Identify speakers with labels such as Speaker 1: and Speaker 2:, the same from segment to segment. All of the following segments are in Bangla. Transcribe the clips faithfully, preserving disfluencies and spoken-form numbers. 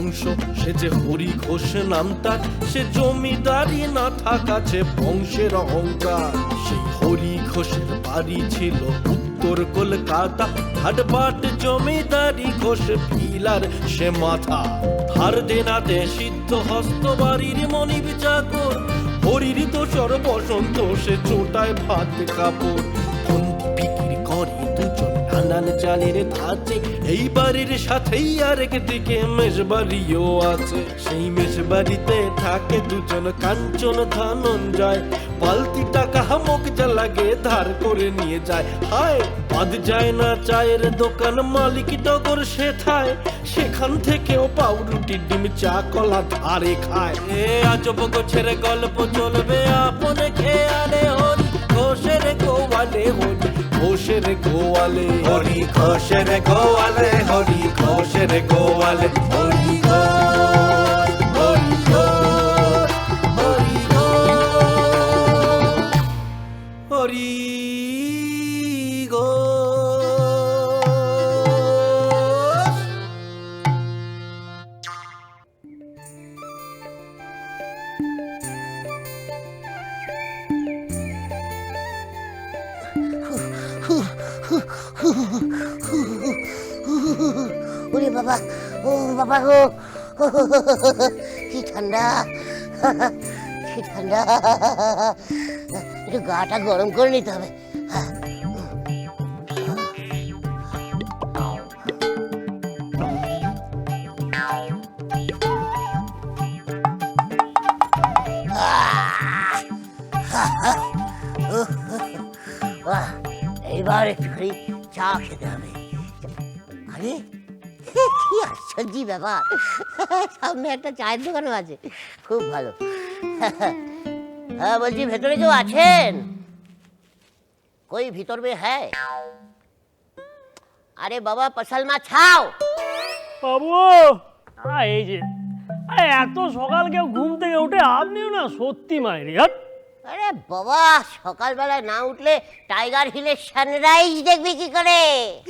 Speaker 1: বংশ, সে যে হরি ঘোষ নাম তার, সে জমিদারি না থাকাছে বংশের অহংকার। সেই হরি ঘোষের বাড়ি ছিল উত্তর কলকাতা, হাটবাট জমিদারি ঘোষ ফিলার সে মাথা। ধার দেনাতে সিদ্ধ হস্ত বাড়ির মনিব চাকর, হরির দোসর বসন্ত সে চোটায় ভাত কাপড়। বিক্রি করে দুজন নানান চালের ধাঁচে, এই বাড়ির সাথেই আরেক দিকে মেষবাড়িও আছে। সেই মেষবাড়িতে থাকে দুজন কাঞ্চন ধনঞ্জয়, পালতি টাকা হামক যা লাগে ধার করে নিয়ে যায়। হায় বাদ যায় না চায়ের দোকান, মালিক টগর সে থায়, সেখান থেকেও পাউরুটি ডিম চা কলা ধারে খায়। এ আজব গোছের গল্প চলবে আপনে খেয়ালে, হরি ঘোষের গোয়ালে, হরি ঘোষের গোয়ালে, হরি ঘোষের গোয়ালে, হরি ঘোষের গোয়ালে, হরি ঘোষ, হরি ঘোষ, হরি ঘোষ, হরি ঘোষ।
Speaker 2: ওরে বাবা, ও বাবা গো, কি ঠান্ডা, কি ঠান্ডা, একটু গাটা গরম করে নিতে হবে। এইবার একটুখানি চা খেতে হবে। আরে কি আশ্চর্য ব্যাপার, সামনে একটা চায়ের দোকানও আছে, খুব ভালো। হ্যাঁ বলছি, ভেতরে কেউ আছেন? কই ভিতর মে হ্যাঁ? আরে বাবা পসল মা ছাও।
Speaker 3: বাবু এই যে এত সকাল কেউ ঘুম থেকে উঠে, আপনিও না সত্যি মায়েরি।
Speaker 2: আরে বাবা সকালবেলায় না উঠলে টাইগার হিলের সানরাইজ দেখবি কি করে?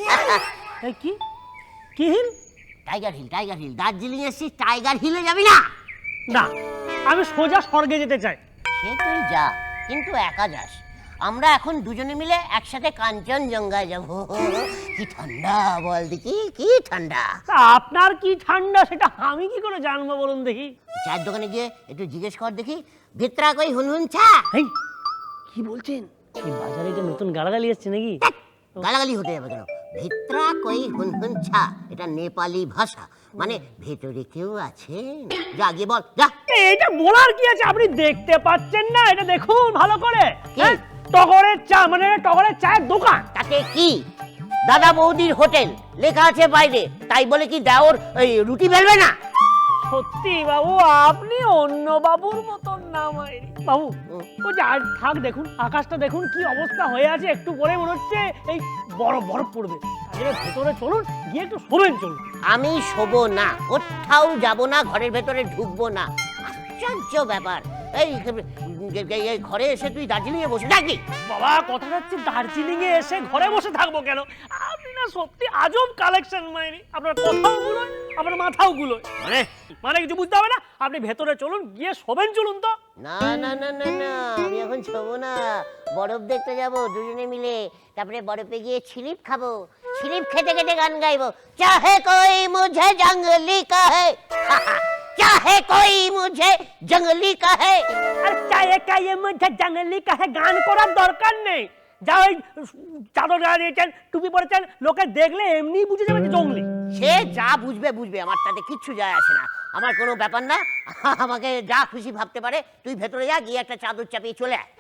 Speaker 3: কি কি hill?
Speaker 2: Tiger hill, tiger hill. Darjeeling এসেছিস, টাইগার হিলে যাবি না?
Speaker 3: না, আমি সোজা স্বর্গে যেতে চাই।
Speaker 2: সে তুই যা, কিন্তু একা যাস। আমরা এখন দুজনে মিলে একসাথে কাঞ্চনজঙ্ঘায় যাবো। কি ঠান্ডা বল দেখি, কি ঠান্ডা।
Speaker 3: আপনার কি ঠান্ডা সেটা আমি কি করে জানবো বলুন দেখি?
Speaker 2: চায়ের দোকানে গিয়ে একটু জিজ্ঞেস কর দেখি, ভিতরা কই হুনহুন চা।
Speaker 3: এই কি বলছেন? এই বাজারে যে নতুন গালাগালি এসছে নাকি?
Speaker 2: গালাগালি হতে যাবে কেন? ভিতরা কই হুনহুন চা, এটা নেপালি ভাষা, মানে ভেতরে কেউ আছেন। যা গিয়ে বল, যা।
Speaker 3: এইটা বলার কি আছে? আপনি দেখতে পাচ্ছেন না? এটা দেখুন ভালো করে। টগরের চা, মানে টগরের চায়ের দোকান।
Speaker 2: তাতে কি? দাদা বৌদির হোটেল লেখা আছে বাইরে, তাই বলে কি দেওর ওই রুটি বেলবে না?
Speaker 3: সত্যি বাবু, আপনি অন্য বাবুর মতন না মাইরি। বাবু ওই যে আর থাক, দেখুন আকাশটা দেখুন কি অবস্থা হয়ে আছে, একটু পরে মনে হচ্ছে এই বরফ বরফ পড়বে। তাহলে ভেতরে চলুন, গিয়ে একটু শোবেন চলুন।
Speaker 2: আমি শোবো না, কোথাও যাবো না, ঘরের ভেতরে ঢুকবো না। আশ্চর্য ব্যাপার, এই এই ঘরে এসে তুই দার্জিলিং এ বসে থাকবি?
Speaker 3: বাবা কথা হচ্ছে দার্জিলিং এ এসে ঘরে বসে থাকবো কেন? আপনি না সত্যি আজব কালেকশন মাইরি। আপনার কথাও গুলোয়, আপনার মাথাও গুলোয়।
Speaker 2: মানে
Speaker 3: মানে কিছু বুঝতে হবে না, আপনি ভেতরে চলুন, গিয়ে শোবেন চলুন তো।
Speaker 2: না না না না না, আমি এখন শোবো না, বরফ দেখতে যাবো দুজনে মিলে। তারপরে বরফে গিয়ে ছিলিপ খাবো, ছিলিপ খেতে খেতে গান গাইবো। চাহে কোই মুঝে জঙ্গলি কাহে, চাহে কোই মুঝে জঙ্গলি কাহে।
Speaker 3: আর চায়ে কায়ে মুঝে জঙ্গলি কাহে গান করার দরকার নেই। যা ওই চাদর গায়ে দিয়েছেন, টুপি পরেছেন, লোকে দেখলে এমনি বুঝে যাবে যে জঙ্গলি।
Speaker 2: সে যা বুঝবে বুঝবে, আমার তাতে কিচ্ছু যায় আসে না, আমার কোনো ব্যাপার না। আমাকে যা খুশি ভাবতে পারে। তুই ভেতরে যা, গিয়ে একটা চাদর চাপিয়ে চলে আয়।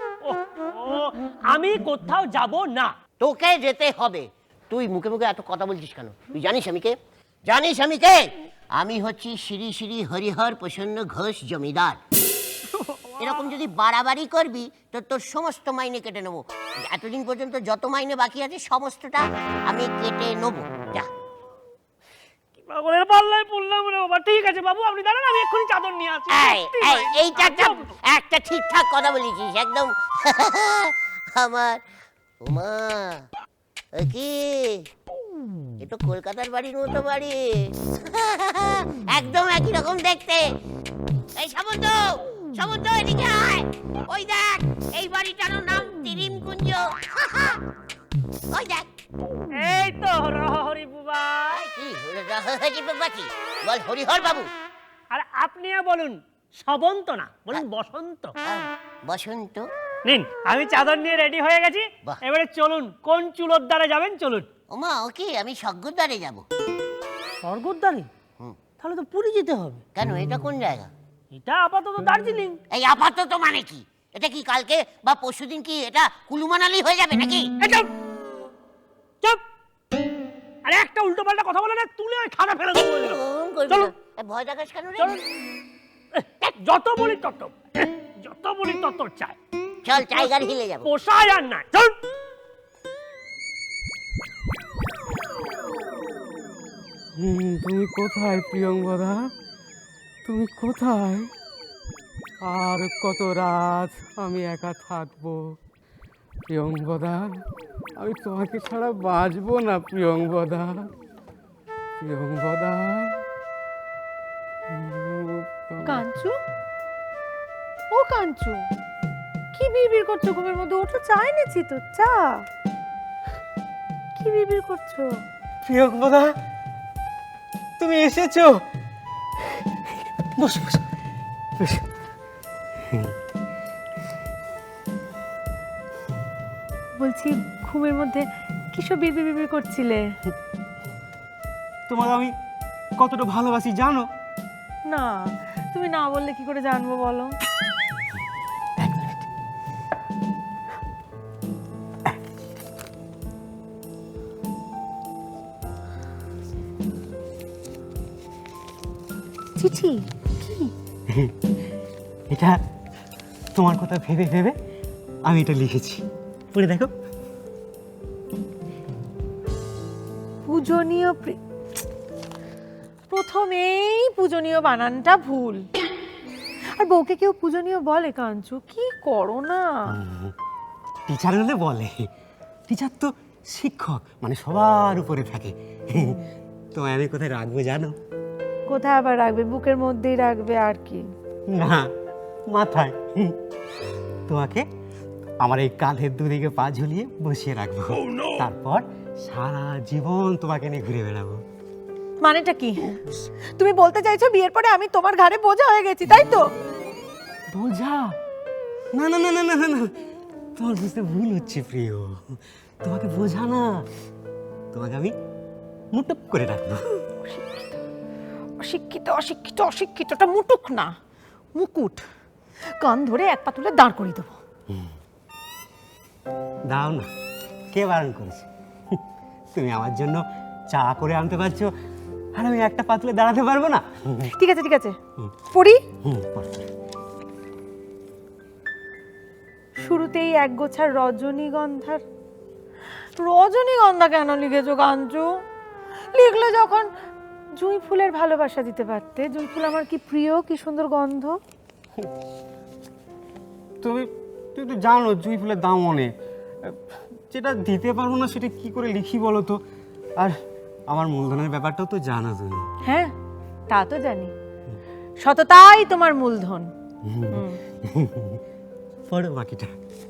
Speaker 3: আমি কোথাও যাব না।
Speaker 2: তোকে যেতে হবে। তুই মুখে মুখে এত কথা বলছিস কেন? তুই জানিস আমি কে? জানিস আমি কে? আমি হচ্ছি শ্রী শ্রী হরিহর প্রসন্ন ঘোষ জমিদার। এরকম যদি বাড়াবাড়ি করবি তো তোর সমস্ত মাইনে কেটে নেবো। এতদিন পর্যন্ত যত মাইনে বাকি আছে সমস্তটা আমি কেটে নেবো। যা।
Speaker 3: পাগলের পাল্লায় পড়লাম রে বাবা। ঠিক আছে বাবু, আপনি দাঁড়ান, আমি এক্ষুনি চাদর নিয়ে আসছি।
Speaker 2: এইটা একটা ঠিকঠাক কথা বলেছিস একদম। আমার উমা কি এ তো কলকাতার বাড়ির মতো বাড়ি। একদম একই রকম দেখতে। এই সামন্ত, সামন্ত এদিকে আয়। ওই দেখ, এই বাড়িটার নাম তিরিম কুঞ্জ। ওই দেখ।
Speaker 3: এই তো হরি বুবা।
Speaker 2: কি হরি বাবা? কি বল? হরিহর বাবু।
Speaker 3: আর আপনিও বলুন সবন্ত না, বলুন বসন্ত।
Speaker 2: বসন্ত।
Speaker 3: নিন, আমি চাদর নিয়ে রেডি হয়ে গেছি।
Speaker 2: বাহ।
Speaker 3: এবারে চলুন, কোন চুলোর দ্বারে যাবেন চলুন।
Speaker 2: ওমা, ওকে আমি স্বর্গদ্বারে যাব।
Speaker 3: স্বর্গদ্বারে?
Speaker 2: হুম।
Speaker 3: তাহলে তো পুরী যেতে হবে।
Speaker 2: কেন, এটা কোন জায়গা?
Speaker 3: এটা আপাতত দার্জিলিং।
Speaker 2: এই আপাতত মানে কি? এটা কি কালকে বা পরশুদিন কি এটা কুলু মানালি হয়ে যাবে নাকি?
Speaker 3: এই চুপ! চুপ! আরে একটা উল্টো পাল্টা কথা বলে না, তুলে ওই খানা ফেলে দেবো বলে দিলাম।
Speaker 2: ওম করবি
Speaker 3: চলো।
Speaker 2: না। এ, ভয় দেখাস কেন রে?
Speaker 3: চলুন। এহ, যত বলি তত যত বলি তত চাই।
Speaker 2: চল, টাইগার হিলে যাব।
Speaker 3: পোষায় আর না। চল।
Speaker 4: তুমি কোথায় প্রিয়ঙ্গদা? তুমি কোথায়? আর কত রাত আমি একা থাকবো প্রিয়ঙ্গদা? আমি তোমাকে ছাড়া বাঁচবো না প্রিয়ঙ্গদা। প্রিয়ঙ্গদা।
Speaker 5: কাঞ্চু, ও কাঞ্চু, কি বিড়বিড় করছো ঘুমের মধ্যে? ওঠো, চা এনেছি তো, চা। কি বিড়বিড় করছো?
Speaker 4: প্রিয়ঙ্গদা, তুমি এসেছো? বসো বসো বসো।
Speaker 5: বলছি, ঘুমের মধ্যে কিসব বিড়বিড় বিড়বিড় করছিলে?
Speaker 4: তোমাকে আমি কতটা ভালোবাসি জানো?
Speaker 5: না, তুমি না বললে কি করে জানবো বলো? চিঠি? কি?
Speaker 4: এটা তোমার কথা ভেবে ভেবে আমি এটা লিখেছি, পড়ে দেখো।
Speaker 5: পূজনীয় প্রি- প্রথমেই পূজনীয় বানানটা ভুল। আর বউকে কেউ পূজনীয় বলে কাঞ্চু? কি করো না?
Speaker 4: টিচার হলে বলে, টিচার তো শিক্ষক, মানে সবার উপরে থাকে। তোমায় আমি কোথায় রাখবো জানো?
Speaker 5: কোথায় আবার রাখবে? বুকের মধ্যেই রাখবে, আর কি?
Speaker 4: না, মাথায়। তোমাকে আমার এই কাঁধের দুদিকে পা ঝুলিয়ে বসিয়ে রাখবো, তারপর সারা জীবন তোমাকে নিয়ে ঘুরে বেড়াবো।
Speaker 5: মানেটা কি? তুমি বলতে চাইছো বিয়ের পরে আমি তোমার ঘাড়ে বোঝা হয়ে গেছি, তাই তো?
Speaker 4: বোঝা? না না না না না না না, তোমার বুঝতে ভুল হচ্ছে প্রিয়। তোমাকে বোঝা না, তোমাকে আমি মুটুক করে রাখবো।
Speaker 5: অশিক্ষিত অশিক্ষিত অশিক্ষিতটা মুটুক না, মুকুট। কান ধরে এক পা তুলে দাঁড় করিয়ে দেবো।
Speaker 4: দাও না, কে বারণ করেছে? তুমি আমার জন্য চা করে আনতে পারছো, আর আমি একটা পা তুলে দাঁড়াতে পারবো না?
Speaker 5: ঠিক আছে ঠিক আছে, পড়ি।
Speaker 4: হুম, পড়ো।
Speaker 5: শুরুতেই এক গোছার রজনীগন্ধার। রজনীগন্ধা কেন লিখেছো কাঞ্চু? লিখলে যখন জুঁই ফুলের ভালোবাসা দিতে পারতে। জুঁই ফুল আমার কি প্রিয়, কি সুন্দর গন্ধ।
Speaker 4: তুমি তুমি তো জানো জুঁই ফুলের দাম অনেক, যেটা দিতে পারবো না সেটা কি করে লিখি বলো তো? আর আমার মূলধনের ব্যাপারটাও তো জানো তুমি।
Speaker 5: হ্যাঁ, তা তো জানি। সততাই তোমার মূলধন। হুম।
Speaker 4: পড়ো বাকিটা।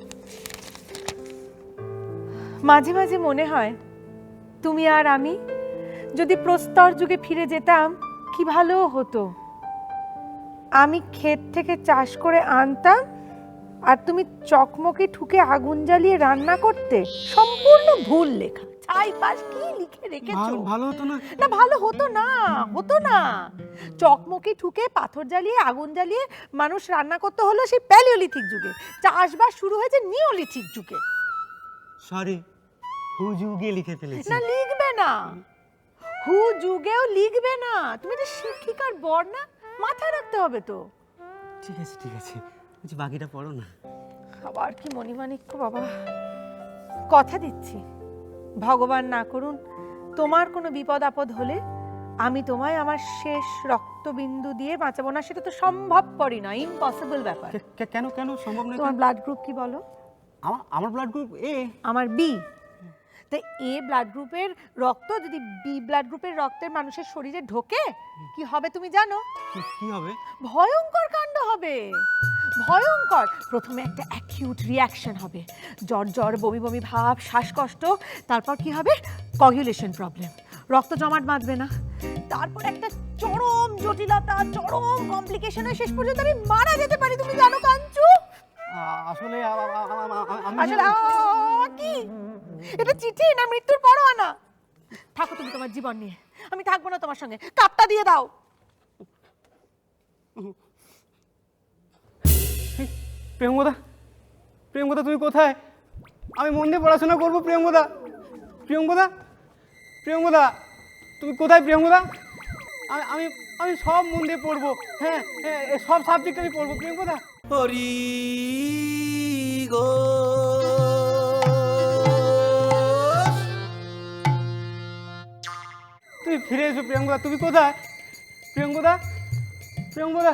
Speaker 5: মাঝে মাঝে মনে হয় তুমি আর আমি যদি প্রস্তর যুগে ফিরে যেতাম কি ভালো হতো। আমি ক্ষেত থেকে চাষ করে আনতাম, আর তুমি চকমকি ঠুকে আগুন জ্বালিয়ে রান্না করতে। সম্পূর্ণ ভুল লেখা। ছাই পাশ কি লিখে রেখেছো?
Speaker 4: ভালো ভালো হতো না?
Speaker 5: না, ভালো হতো না, হতো না। চকমকি ঠুকে পাথর জ্বালিয়ে আগুন জ্বালিয়ে মানুষ রান্না করতে হলো সেই প্যালিওলিথিক যুগে। চাষবাস শুরু হয়েছে নিওলিথিক যুগে।
Speaker 4: সরি, হু যুগে লিখে ফেলেছি।
Speaker 5: না, লিখবে না, হু যুগেও লিখবে না। তুমি তো শিক্ষিকার বর না, মাথায় রাখতে হবে তো।
Speaker 4: ঠিক আছে ঠিক আছে, বলছি বাকিটা পড়ো না।
Speaker 5: আবার কি মণিমাণিক্য বাবা। কথা দিচ্ছি, ভগবান না করুন তোমার কোনো বিপদ আপদ হলে আমি তোমায় আমার শেষ রক্তবিন্দু দিয়ে বাঁচাবো না। সেটা তো সম্ভবপরই না, ইম্পসিবল ব্যাপার।
Speaker 4: কে- কে- কেন কেন সম্ভব নয়?
Speaker 5: তোমার ব্লাড গ্রুপ কি বলো?
Speaker 4: আমার আমার ব্লাড গ্রুপ এ।
Speaker 5: আমার বি। তা এ ব্লাড গ্রুপের রক্ত যদি বি ব্লাড গ্রুপের রক্তের মানুষের শরীরে ঢোকে কি হবে তুমি জানো?
Speaker 4: কি হবে?
Speaker 5: ভয়ঙ্কর কাণ্ড হবে, ভয়ঙ্কর। প্রথমে একটা অ্যাকিউট রিয়াকশন হবে, জ্বর জ্বর বমি বমি ভাব, শ্বাসকষ্ট। তারপর কি হবে? কগুলেশন প্রবলেম, রক্ত জমাট বাঁধবে না। তারপর একটা চরম জটিলতা, চরম কমপ্লিকেশন হয়ে শেষ পর্যন্ত আমি মারা যেতে পারি, তুমি জানো কাঞ্চু?
Speaker 4: আ- আসলে আ- আ- আ- আ- আ- আমি
Speaker 5: আসলে আ, কি এটা চিঠি না মৃত্যুর পরোয়ানা? থাকো তুমি তোমার জীবন নিয়ে, আমি থাকবো না তোমার সঙ্গে। কাপটা দিয়ে দাও।
Speaker 4: প্রিয়ঙ্গদা, প্রিয়ঙ্গদা তুমি কোথায়? আমি মন দিয়ে পড়াশোনা করবো প্রিয়ঙ্গদা। প্রিয়ঙ্গদা, প্রিয়ঙ্গদা তুমি কোথায় প্রিয়ঙ্গদা? আমি আমি আমি সব মন দিয়ে পড়বো, হ্যাঁ হ্যাঁ, এ সব সাবজেক্ট আমি পড়বো প্রিয়ঙ্গদা।
Speaker 1: হরি গো
Speaker 4: তুমি ফিরে এসো প্রিয়ঙ্গদা, তুমি কোথায়? প্রিয়ঙ্গদা, প্রিয়ঙ্গদা।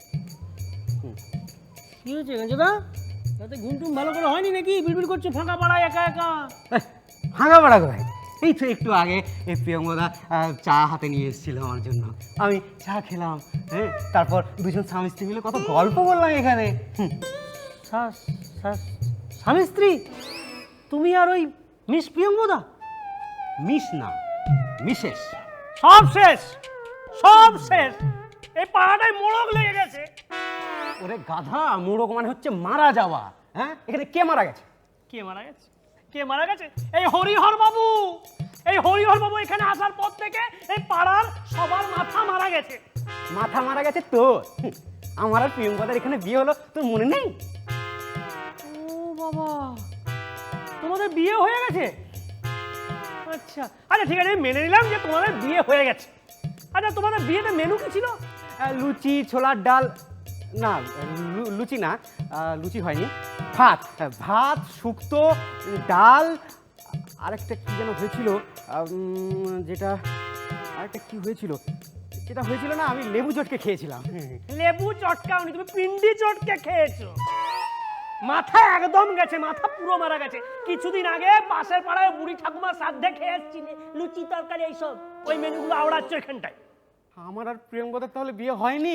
Speaker 3: কি হয়েছে গেঞ্জদা? তাতে ঘুম টুম ভালো করে হয়নি নাকি? বিড়বিড় করছো ফাঁকা পাড়ায় একা একা।
Speaker 4: ভাঙা পাড়া কোথায়? এই তো একটু আগে এই প্রিয়ঙ্গদা আহ, চা হাতে নিয়ে এসেছিল আমার জন্য, আমি চা খেলাম, হ্যাঁ তারপর দুজন স্বামী স্ত্রী মিলে কত গল্প করলাম এখানে। হুম,
Speaker 3: শাস শাস স্বামী স্ত্রী তুমি আর ওই মিস প্রিয়ঙ্গদা?
Speaker 4: মিস না, মিসেস।
Speaker 3: সব শেষ, সব শেষ। এই পাড়াটায় মোড়ক লেগে গেছে।
Speaker 4: ওরে গাধা, মোড়ক মানে হচ্ছে মারা যাওয়া। হ্যাঁ, এখানে কে মারা গেছে?
Speaker 3: কে মারা গেছে? কে মারা গেছে? এই হরিহর বাবু। এই হরিহর বাবু এখানে আসার পর থেকে এই পাড়ার সবার মাথা মারা গেছে।
Speaker 4: মাথা মারা গেছে তোর? হুম, আমার আর প্রিয়ঙ্গদার এখানে বিয়ে হলো, তোর মনে নেই?
Speaker 3: ও বাবা, তোমাদের বিয়ে হয়ে গেছে? আচ্ছা আচ্ছা ঠিক আছে, আমি মেনে নিলাম যে তোমাদের বিয়ে হয়ে গেছে। আচ্ছা তোমাদের বিয়েতে মেনু কি ছিল?
Speaker 4: আহ, লুচি, ছোলার ডাল, না লু- লুচি না, আহ, লুচি হয়নি, ভাত, হ্যাঁ, ভাত, শুক্তো, ডাল, আরেকটা কি যেন হয়েছিল, উম, যেটা আরেকটা কি হয়েছিল, যেটা হয়েছিল না, আমি লেবু চটকে খেয়েছিলাম।
Speaker 3: লেবু চটকাওনি, তুমি পিন্ডি চটকে খেয়েছো। মাথা একদম গেছে, মাথা পুরো মারা গেছে। কিছুদিন আগে পাশের পাড়ায় বুড়ি ঠাকুমার শ্রাদ্ধে খেয়ে এসছি, লুচি তরকারি এইসব ওই মেনুগুলো আওড়াচ্ছ এখানটায়।
Speaker 4: আমার আর প্রিয়ঙ্গদার তাহলে বিয়ে হয়নি?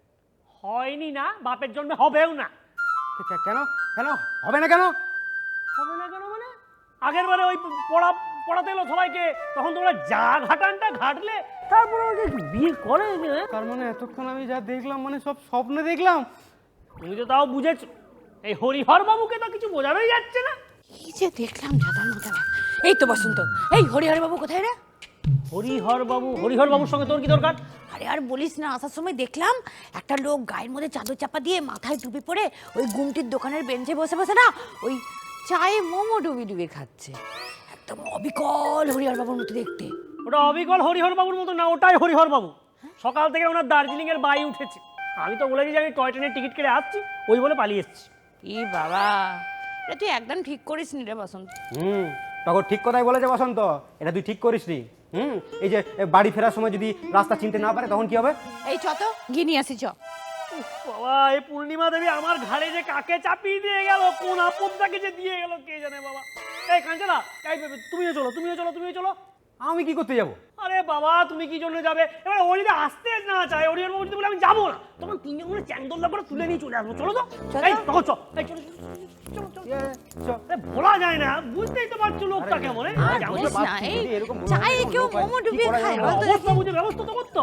Speaker 3: হয়নি না, বাপের জন্মে হবেও না।
Speaker 4: কে- কেন কেন হবে না কেন?
Speaker 3: হবে না কেন মানে? আগের বারে ওই পড়া পড়াতে এলো সবাইকে, তখন তোমরা যা ঘাটানটা ঘাটলে, তারপরে ওকে বিয়ে করে। হ্যাঁ?
Speaker 4: তার মানে এতক্ষণ আমি যা দেখলাম মানে সব স্বপ্নে দেখলাম।
Speaker 3: তুমি তো তাও বুঝেছ। এই হরিহর বাবুকে তো কিছু বোঝানোই যাচ্ছে না।
Speaker 6: এই যে দেখলাম জাদার মতলা। এই তো বসন্ত, এই হরিহর বাবু কোথায় রে?
Speaker 3: হরিহর বাবু? হরিহর বাবুর সঙ্গে তোর কি দরকার?
Speaker 6: আরে আর বলিস না, আসার সময় দেখলাম একটা লোক গায়ের মধ্যে চাদর চাপা দিয়ে মাথায় টুপি পরে ওই গুমটির দোকানের বেঞ্চে বসে বসে না ওই চায়ে মোমো ডুবি ডুবি খাচ্ছে। একদম অবিকল হরিহর বাবুর মতো দেখতে।
Speaker 3: ওটা অবিকল হরিহর বাবুর মতো না, ওটাই হরিহর বাবু। সকাল থেকে ওনার দার্জিলিং এর বাই উঠেছে। আমি তো বলেছি যে আমি টয় ট্রেনের টিকিট কেটে আসছি, ওই বলে পালিয়ে এসেছি।
Speaker 6: ই বাবা, এটা তুই একদম ঠিক করিস নি রে বসন্ত।
Speaker 4: হুম, তখন ঠিক কথাই বলেছে বসন্ত, এটা তুই ঠিক করিস নি। হুম, এই যে এ, বাড়ি ফেরার সময় যদি রাস্তা চিনতে না পারে তখন কি হবে?
Speaker 6: এই চ তো গিয়ে নিয়ে আসি চ।
Speaker 3: উফ বাবা, এই পূর্ণিমা দেবী আমার ঘাড়ে যে কাকে চাপিয়ে দিয়ে গেল, কোন আপদটাকে যে দিয়ে গেল কে জানে বাবা। এই কাঞ্চনা, এই বেবে, তুমিও চলো, তুমিও চলো, তুমিও চলো।
Speaker 4: আমি কি করতে যাব?
Speaker 3: আরে বাবা, তুমি কি জন্য যাবে? এবার ও যদি আসতে না চায়, হরিহর বাবু যদি বলে আমি যাবো না, তখন তিনজন মিলে চ্যাংদোল্লা করে তুলে নিয়ে চলে আসবো। চলো তো,
Speaker 6: চলো।
Speaker 3: এই তখন চল, এই চলো, চলো, চলো, চলো।
Speaker 4: এ, চ।
Speaker 3: আরে বলা যায় না, বুঝতেই তো পারছো লোকটা
Speaker 4: আরে,
Speaker 3: কেমন। এই,
Speaker 6: আর
Speaker 3: যেমন
Speaker 6: বলিস না,
Speaker 4: বাচ্চা
Speaker 6: এই
Speaker 4: যদি এরকম বড়
Speaker 6: চায়ে
Speaker 4: এরকম
Speaker 6: কেউ
Speaker 4: লোক হয়,
Speaker 6: মোমো
Speaker 4: কি
Speaker 6: ডুবিয়ে
Speaker 4: করা
Speaker 6: খায়
Speaker 4: যাবে?
Speaker 6: বল তো
Speaker 3: অবস্থা
Speaker 6: দেখি?
Speaker 3: বুঝে ব্যবস্থা তো করতো।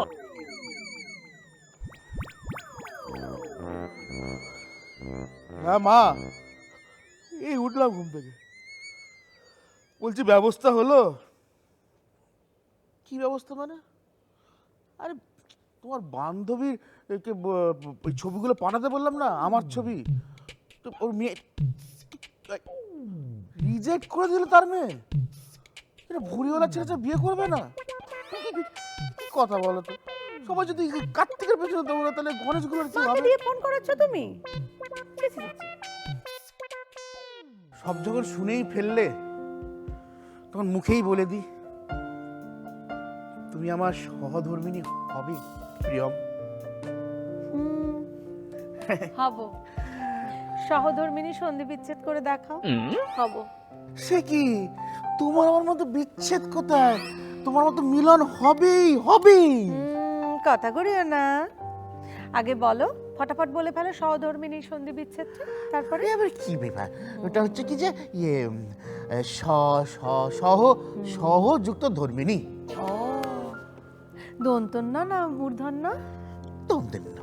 Speaker 7: হ্যাঁ মা, এই উঠলাম ঘুম থেকে। বলছি ব্যবস্থা হলো? কি ব্যবস্থা মানে? আরে তোমার বান্ধবীর কে ব- ব- ওই ছবিগুলো পাঠাতে বললাম না, আমার ছবি, তো ওর মেয়ে রিজেক্ট করে দিল। তার মেয়ে এটা ভুড়িওয়ালা ছেলে বিয়ে করবে না? কি কথা বলো তো? সবাই যদি কার্তিকের পেছনে দৌড়া, তাহলে গণেশগুলোর কি
Speaker 5: মাকে
Speaker 7: হবে?
Speaker 5: দিয়ে ফোন করেছো তুমি? ছি, ছি, ছি, ছি।
Speaker 7: সব যখন শুনেই ফেললে, তখন মুখেই বলে দি, তুমি আমার সহধর্মিনী হবে প্রিয়ম।
Speaker 5: হুম, হব। সহধর্মিনী সন্ধি বিচ্ছেদ করে দেখাও, হব।
Speaker 7: সে কি তোমার আমার মধ্যে বিচ্ছেদ কোথায়? তোমার মতো মিলন হবেই হবেই।
Speaker 5: উম, কথা করিও না, আগে বলো, ফটাফট বলে ফেলো সহধর্মিনী সন্ধি বিচ্ছেদ, তারপরে
Speaker 7: আরে আবার কি ব্যাপার? ওটা হচ্ছে কি যে ইয়ে উম, এ, স স- সহ সহযুক্ত ধর্মিনী।
Speaker 5: ও দন্তন্য না মূর্ধন্য?
Speaker 7: তোমাদের না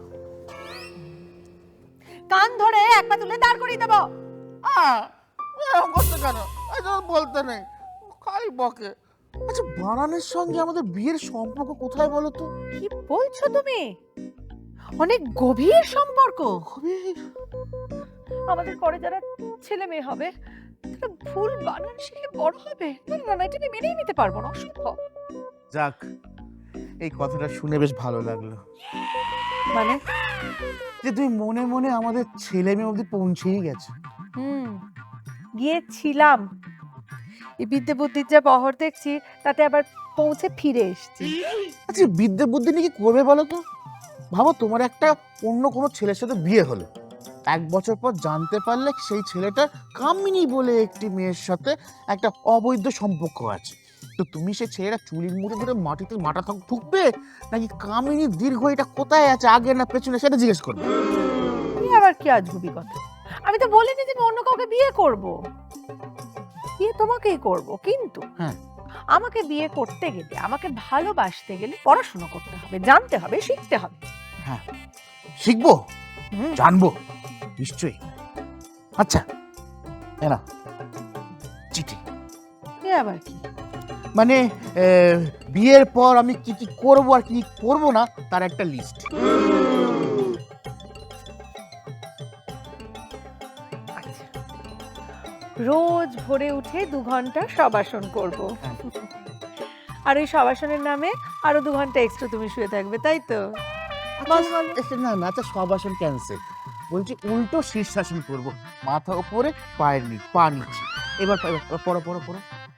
Speaker 5: কান ধরে এক পা তুলে দাঁড় করিয়ে দেবো।
Speaker 7: আহ, এরকম করতে কেন? এটা বলতে নেই, খালি বকে। আচ্ছা, বানানের সঙ্গে আমাদের বিয়ের সম্পর্ক কোথায় বলো তো?
Speaker 5: কি বলছো তুমি? অনেক গভীর সম্পর্ক।
Speaker 7: গভীর?
Speaker 5: আমাদের পরে যারা ছেলে মেয়ে হবে তারা ভুল বানান শিখে বড় হবে। না না না, এটা আমি মেনেই নিতে পারবো না, অসম্ভব।
Speaker 7: যাক, এই কথাটা শুনে বেশ ভালো লাগলো
Speaker 5: মানে
Speaker 7: যে তুমি মনে মনে আমাদের ছেলে মেয়ে অবধি পৌঁছেই গেছো।
Speaker 5: হুম, গিয়েছিলাম। এই বিদ্যে বুদ্ধির যা বহর দেখছি তাতে আবার পৌঁছে ফিরে এসেছি।
Speaker 7: আচ্ছা, বিদ্যে বুদ্ধি নিয়ে কি করবে বলো তো? ভাবো, তোমার একটা অন্য কোনো ছেলের সাথে বিয়ে হলো, এক বছর পর জানতে পারলে সেই ছেলেটার কামিনী বলে একটি মেয়ের সাথে একটা অবৈধ সম্পর্ক আছে। তো তুমি সেই ছেলেটা চুলির মুড়ে ধরে মাটিতে মাটা ঠুকবে, নাকি কামিনী দীর্ঘ এটা কোথায় আছে, আগে না পেছনে, সেটা জিজ্ঞেস করবে?
Speaker 5: এই আবার কি আজগুবি কথা? আমি তো বলিনি যে আমি অন্য কাউকে বিয়ে করব। বিয়ে তোমাকেই করব, কিন্তু
Speaker 7: হ্যাঁ,
Speaker 5: আমাকে বিয়ে করতে গেলে, আমাকে ভালোবাসতে গেলে পড়াশোনা করতে হবে, জানতে হবে, শিখতে হবে।
Speaker 7: হ্যাঁ, শিখবো,
Speaker 5: হুম।
Speaker 7: জানবো, নিশ্চয়ই। আচ্ছা, এ নাও চিঠি।
Speaker 5: এ আবার কি?
Speaker 7: মানে এ, বিয়ের পর আমি কি কি করবো আর কি করবো না তার একটা লিস্ট।
Speaker 5: আচ্ছা, রোজ ভোরে উঠে দু ঘন্টা শবাসন করব, আর ওই শবাসনের নামে আরো দু ঘন্টা এক্সট্রা তুমি শুয়ে থাকবে, তাই তো? বল বল।
Speaker 7: আচ্ছা, না না, আচ্ছা, সব আসন ক্যান্সেল, বলছি উল্টো শীর্ষাসন করবো, মাথা উপরে পায়ের নিচ, পা নিচে। এবার এবার পড়ো পড়ো পড়ো।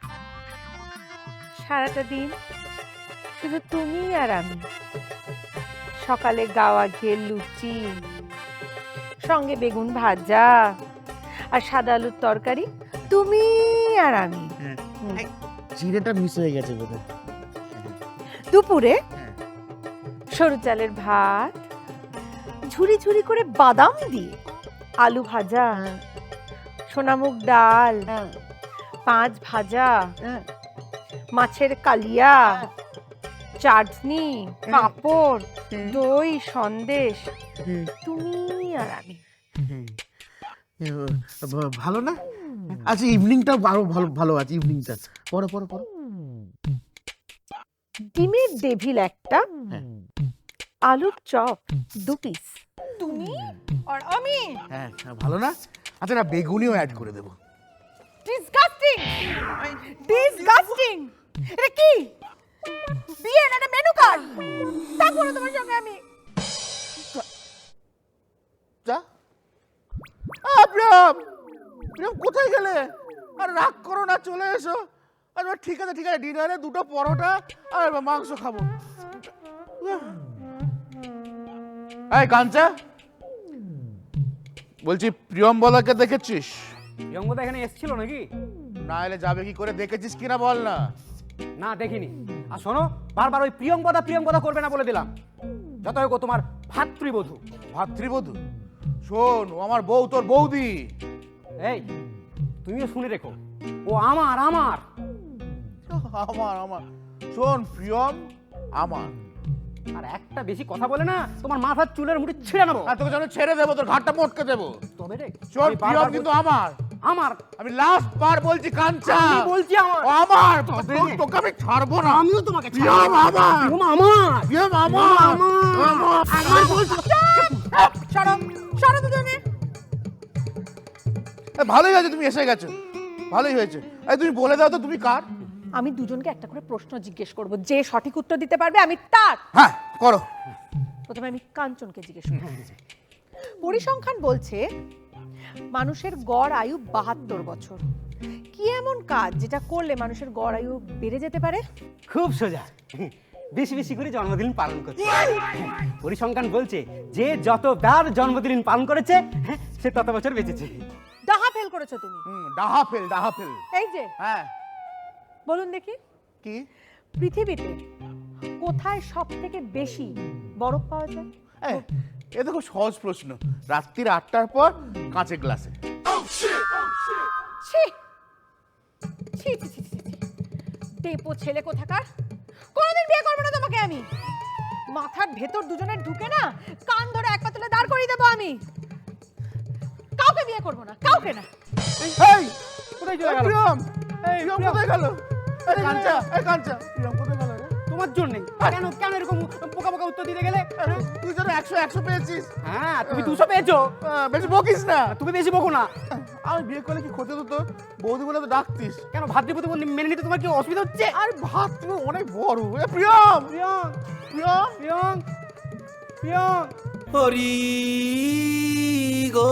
Speaker 5: সারাটা দিন শুধু তুমি আর আমি, সকালে গাওয়া ঘিয়ের লুচি, সঙ্গে বেগুন ভাজা আর সাদা আলুর তরকারি, তুমি আর আমি। হুম।
Speaker 7: জিরেটা মিস হয়ে গেছে বোধহয়।
Speaker 5: দুপুরে সরু চালের ভাত, ঝুরি ঝুরি করে বাদাম দিয়ে আলু ভাজা, সোনামুগ ডাল, পাঁচ ভাজা, মাছের কালিয়া, চাটনি, পাঁপড়, দই, সন্দেশ, তুমি আর আমি।
Speaker 7: ভালো না? আচ্ছা, ইভিনিংটা আরো ভালো ভালো আছে, ইভিনিংটা পড়ো পড়ো পড়ো।
Speaker 5: ডিমের ডেভিল একটা, আলুর চপ দু পিস, তুমি আর আমি।
Speaker 7: হ্যাঁ, ভালো না? আচ্ছা, না, বেগুনিও অ্যাড করে দেবো।
Speaker 5: Disgusting, disgusting. এটা কি বিয়ে না, এটা মেনু কার্ড? তারপরে তোমার সঙ্গে আমি
Speaker 7: যা। আহ, প্রিয়ম, প্রিয়ম কোথায় গেলে? আর রাগ করো না, চলে এসো। আর ঠিক আছে ঠিক আছে, ডিনারে দুটো পরোটা আর মাংস খাবো। এই কাঞ্চা, বলছি প্রিয়ম্বদাকে দেখেছিস?
Speaker 4: প্রিয়ঙ্গদা এখানে এসেছিল নাকি?
Speaker 7: না এলে যাবে কি করে, দেখেছিস কিনা বল না।
Speaker 4: না, দেখিনি। আর শোনো, বারবার ওই প্রিয়ঙ্গদা প্রিয়ঙ্গদা করবে না বলে দিলাম। যত হোক ও তোমার ভাতৃবধূ।
Speaker 7: ভাতৃবধূ? শোন, ও আমার বউ, তোর বৌদি।
Speaker 4: এই, তুমিও শুনে রেখো, ও আমার আমার
Speaker 7: আমার আমার শোন, প্রিয়ম আমার।
Speaker 4: আর একটা বেশি কথা বলে না, তোমার মাথার চুলের মুঠি ছিঁড়ে নেবো।
Speaker 7: আর তোকে যেন ছেড়ে দেবো, তোর ঘাটটা মটকে দেবো।
Speaker 4: তবে রে,
Speaker 7: শোন,
Speaker 4: আমি বারবার
Speaker 7: প্রিয়ম কিন্তু
Speaker 4: বলছি-
Speaker 7: আমার
Speaker 4: আমার
Speaker 7: আমি লাস্ট বার বলছি, কাঞ্চা
Speaker 4: আমি বলছি আমার।
Speaker 7: ও আমার।
Speaker 4: তবে
Speaker 7: তোকে-
Speaker 4: রে।
Speaker 7: তোকে আমি ছাড়বো না।
Speaker 4: আমিও তোমাকে ছাড়বো
Speaker 7: প্রিয়ম
Speaker 4: না।
Speaker 7: আমার।
Speaker 4: প্রিয়ম আমার
Speaker 7: প্রিয়ম আমার। আমার।
Speaker 4: আমার বলছি।
Speaker 5: সরো সরো দুজনে।
Speaker 7: এ, ভালোই হয়েছে তুমি এসে গেছো, ভালোই হয়েছে। এই তুমি বলে দাও তো, তুমি কার?
Speaker 5: আমি দুজনকে একটা করে প্রশ্ন জিজ্ঞেস করব, যে সঠিক উত্তর দিতে পারবে আমি তার।
Speaker 7: হ্যাঁ, করো।
Speaker 5: প্রথমে আমি কাঞ্চনকে জিজ্ঞেস করব। পরিসংখ্যান বলছে মানুষের গড় আয়ু বাহাত্তর বছর। কি এমন কাজ যেটা করলে মানুষের গড় আয়ু বেড়ে যেতে পারে?
Speaker 4: খুব সোজা, বেশি বেশি করে জন্মদিন পালন করছে। পরিসংখ্যান বলছে যে যতবার জন্মদিন পালন করেছে, হ্যাঁ, সে তত বছর বেঁচেছে।
Speaker 5: ডাহা ফেল করেছো তুমি।
Speaker 7: হুম, ডাহা ফেল, ডাহা ফেল।
Speaker 5: এই যে
Speaker 7: হ্যাঁ,
Speaker 5: বলুন দেখি
Speaker 7: কি?
Speaker 5: পৃথিবীতে কোথায় সব থেকে বেশি বরফ পাওয়া যায়?
Speaker 7: এই, এ তো খুব সহজ প্রশ্ন। রাত্রির আটটার পর কাঁচের গ্লাসে।
Speaker 5: ছি ছি ছি ছি ছি, ছি। ডেপো ছেলে কোথাকার, কোনোদিন বিয়ে করবো না তোমাকে আমি। মাথার ভেতর দুজনের ঢুকে না কান ধরে এক পাতলে দাঁড় করিয়ে দেবো আমি। কাউকে বিয়ে করবো না, কাউকে না।
Speaker 7: এই,
Speaker 4: কোথায় চলে গেল?
Speaker 7: প্রিয়ম,
Speaker 4: এই
Speaker 7: প্রিয়ম
Speaker 4: প্রিয়ম,
Speaker 7: কোথায় গেল? এই কাঞ্চা, এই কাঞ্চা, প্রিয়ম কোথায় গেল রে?
Speaker 4: তোমার জন্যই। কেন কেন এরকম বোকা বোকা উত্তর দিতে গেলে?
Speaker 7: আরে, তুই যেন একশো একশো পেয়েছিস।
Speaker 4: হ্যাঁ, তুমি দুশো পেয়েছো।
Speaker 7: আহ, বেশি বকিস না।
Speaker 4: তুমি বেশি বকো না।
Speaker 7: আমি বিয়ে করলে কি ক্ষতি হতো? বৌদি বলে তো ডাকতিস।
Speaker 4: কেন ভাতৃপ্রতি মেনে নিতে তোমার কি অসুবিধা হচ্ছে?
Speaker 7: আর ভাত তুমি অনেক বড়। এ প্রিয়ম,
Speaker 4: প্রিয়ং,
Speaker 7: প্রিয়ম,
Speaker 4: প্রিয়ং, প্রিয়ং।
Speaker 1: হরি গো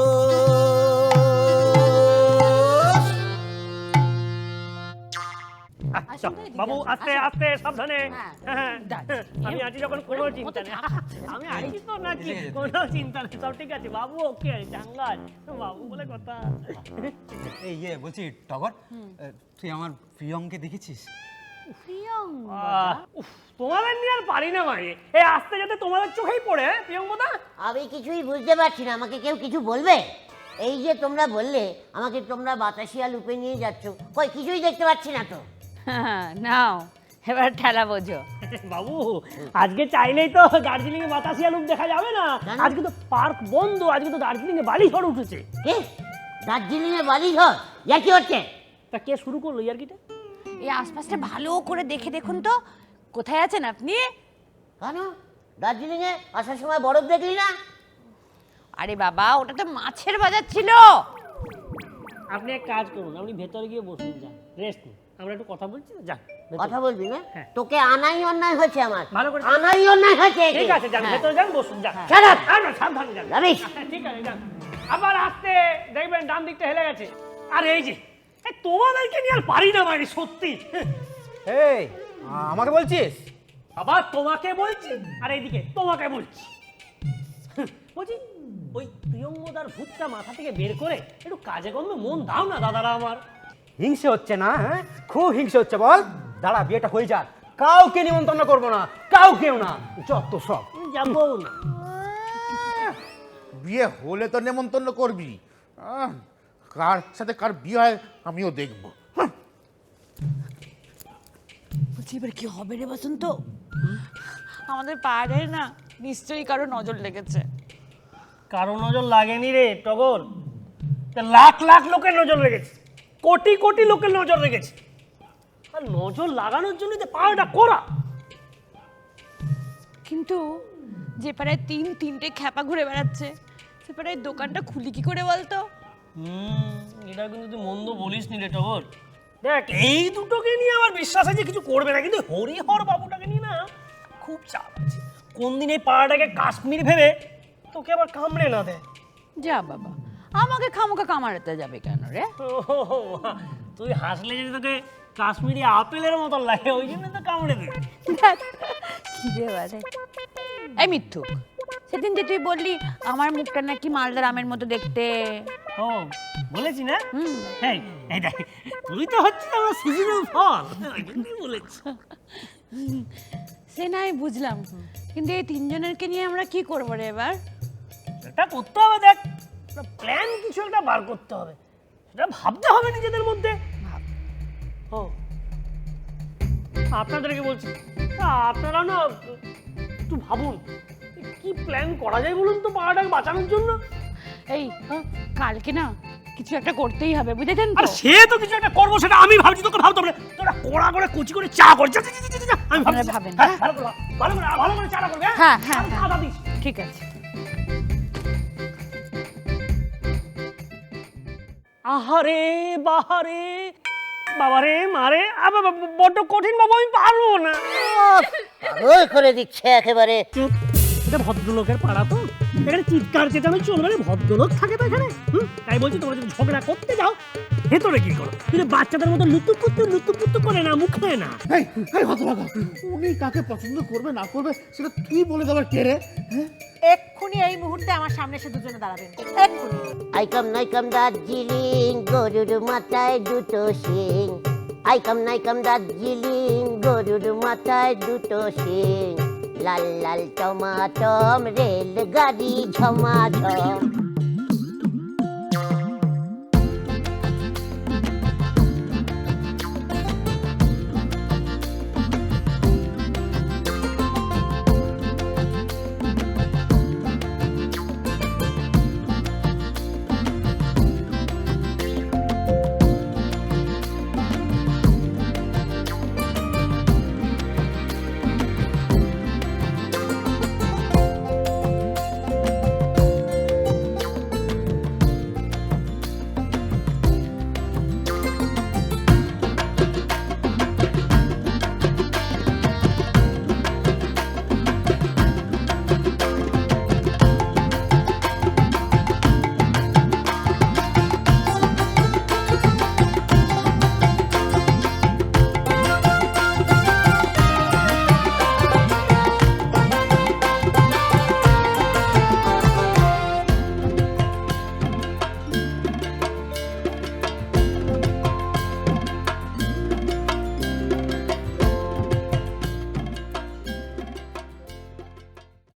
Speaker 3: আচ্ছা, বাবু আস্তে আস্তে সাবধানে।
Speaker 6: হ্যাঁ।
Speaker 3: হ্যাঁ, আমি আছি যখন কোনো চিন্তা নেই। আমি আছি তো নাকি, কোনো চিন্তা নেই, সব ঠিক আছে। বাবু ওকে চাঙ্গাল, বাবু বলে কথা।
Speaker 8: এই ইয়ে বলছি টগর, এ, তুই আমার প্রিয়ঙ্কে দেখেছিস?
Speaker 3: আহ, উফ, তোমাদের নিয়ে আর পারি না ভাই। এই আস্তে যাতে তোমাদের চোখেই পড়ে, হ্যাঁ, প্রিয়ঙ্কদা।
Speaker 2: আমি কিছুই বুঝতে পারছি না, আমাকে কেউ কিছু বলবে? এই যে তোমরা বললে আমাকে তোমরা বাতাসিয়া লুপে নিয়ে যাচ্ছ, কই কিছুই দেখতে পাচ্ছি না তো।
Speaker 6: নাও এবার ঠেলা বোঝো।
Speaker 3: বাবু আজকে চাইলেই তো দার্জিলিং এ বাতাসিয়া লুপ দেখা যাবে না।
Speaker 2: কেন?
Speaker 3: আজকে তো পার্ক বন্ধ, আজকে তো দার্জিলিং এ বালি ঝড় উঠেছে।
Speaker 2: কে? দার্জিলিং এ বালি ঝড়? ইয়া কি হচ্ছে?
Speaker 3: তা কে শুরু করলো ইয়ার্কিটা?
Speaker 6: এই আশপাশটা ভালো করে দেখে দেখুন তো, কোথায় আছেন আপনি?
Speaker 2: কেন দার্জিলিং এ আসার সময় বরফ দেখলি না?
Speaker 6: আরে বাবা, ওটা তো মাছের বাজার ছিল।
Speaker 3: আপনি এক কাজ করুন, আপনি ভেতরে গিয়ে বসুন, যান রেস্ট নিন, আমরা একটু কথা বলছি তো, যান ভেতরে।
Speaker 2: কথা বলবি না?
Speaker 3: হ্যাঁ।
Speaker 2: তোকে আনাই অন্যায় হয়েছে আমার।
Speaker 3: ভালো করে-
Speaker 2: আনাই অন্যায় হয়েছে। একে।
Speaker 3: ঠিক আছে, যান
Speaker 2: হ্যাঁ।
Speaker 3: ভেতরে যান, বসুন, যান।
Speaker 2: Shut up!
Speaker 3: আর না, সাবধানে যান।
Speaker 2: রমেশ!
Speaker 3: হ্যাঁ, ঠিক আছে, যান। আবার আসতে দেখবেন ডান দিকটা হেলে গেছে। আর এই যে এই তোমাদেরকে নিয়ে আর পারি না মানে, সত্যি।
Speaker 4: এই, আমাকে বলছিস?
Speaker 3: আবার তোমাকে বলছি, আর এইদিকে তোমাকে বলছি। বলছি ওই প্রিয়ঙ্গদার ভূতটা মাথা থেকে বের করে একটু কাজে কর্মে মন দাও না দাদারা আমার।
Speaker 4: হিংসে হচ্ছে না? হ্যাঁ, খুব হিংসে হচ্ছে। বল, দাঁড়া, বিয়েটা হয়ে যাক, কাউকে নিমন্ত্রণ করবো না, কাউকেও না, যত সব।
Speaker 3: যাবো না।
Speaker 7: বিয়ে হলে তো নেমন্তন্ন করবি। আহ, কার সাথে কার বিয়ে হয় আমিও দেখবো। হাহ।
Speaker 6: বলছি এবার কি হবে রে বসন্ত? আমাদের পাড়ায় না নিশ্চয়ই কারো নজর লেগেছে।
Speaker 3: কারো নজর লাগেনি রে টগর, তা লাখ লাখ লোকের নজর লেগেছে, কোটি কোটি লোকের নজর লেগেছে। আর নজর লাগানোর জন্য তো পাওয়াটা করা।
Speaker 6: কিন্তু যে পাড়ায় তিন তিনটে খ্যাপা ঘুরে বেড়াচ্ছে, সে পাড়ায় দোকানটা খুলি কি করে বলতো?
Speaker 3: হুম, এটা কিন্তু তুই মন্দ বলিস নি রে টগর। দেখ এই দুটোকে নিয়ে আমার বিশ্বাস আছে কিছু করবে না, কিন্তু হরিহর বাবুটাকে নিয়ে না খুব চাপ আছে। কোন দিন এই পাড়াটাকে কাশ্মীর ভেবে তোকে আবার কামড়ে না দেয়।
Speaker 6: যা বাবা, আমাকে খামোকা কামারাতে যাবে কেন রে?
Speaker 3: ও, তুই হাসলে যদি তোকে কাশ্মীরি আপেলের মতো লাগে, ওই জন্য তো কামড়ে দেবে।
Speaker 6: কি রে বারে? এই মিথ্যুক, সেদিন যে তুই বললি আমার মুখটা নাকি মালদার আমের মতো দেখতে।
Speaker 3: ও বলেছি না?
Speaker 6: হুম।
Speaker 3: এই এই দেখ, তুই তো হচ্ছে আমার সিজনাল ফল, ওই জন্যই বলেছি।
Speaker 6: সে নাই বুঝলাম, কিন্তু এই তিনজনেরকে নিয়ে আমরা কি করবো রে এবার?
Speaker 3: এটা করতে হবে, দেখ প্ল্যান কিছু একটা বার করতে হবে, সেটা ভাবতে হবে নিজেদের মধ্যে। ও আপনাদেরকে বলছি, আপনারা না একটু ভাবুন কি প্ল্যান করা যায় বলুন তো পাড়াটাকে বাঁচানোর জন্য।
Speaker 6: এই কালকে না কিছু একটা করতেই হবে, বুঝেছেন
Speaker 3: আর
Speaker 6: তো?
Speaker 3: সে তো কিছু একটা করবো, সেটা আমি ভাবছি, তোকে ভাবতে হবে। তোরা কড়া করে কুচি করে চা করে যা, যা, যা, যা, যা, যা। আমি ভাবছি।
Speaker 6: আপনারা ভাবেন,
Speaker 3: হ্যাঁ,
Speaker 6: হ্যাঁ?
Speaker 3: ভালো করে ভাব, ভালো করে ভালো করে চাটা করবে।
Speaker 6: হ্যাঁ, হ্যাঁ,
Speaker 3: আমি
Speaker 6: হ্যাঁ।
Speaker 3: আদা দিস।
Speaker 6: ঠিক আছে।
Speaker 3: আহারে বাহারে বাবারে মারে, আবার বড্ড কঠিন বাবু, আমি পারবো না।
Speaker 2: পাগল করে দিচ্ছে একেবারে।
Speaker 3: চুপ, এটা ভদ্রলোকের পাড়া তো, এখানে চিৎকার চেঁচানো চলবে না, ভদ্রলোক থাকে তো এখানে। হুম, তাই বলছি তোমরা যদি ঝগড়া করতে যাও ভেতরে কি করো, কিন্তু বাচ্চাদের মতো লুতুপুতু লুতুপুতু করে না, মুখে না।
Speaker 7: এই, এই হতভাগা, উনি কাকে পছন্দ করবে না করবে সেটা তুই বলে দেবার কে রে? হ্যাঁ?
Speaker 5: এক্ষুনি এই মুহূর্তে আমার সামনে এসে দুজনে দাঁড়াবেন, এক্ষুনি।
Speaker 2: আইকাম নাইকাম দার্জিলিং, গরুর মাথায় দুটো শিং। আইকাম নাইকাম দার্জিলিং, গরুর মাথায় দুটো শিং, লাল লাল টমাটম, রেল গাড়ি ঝমাঝম।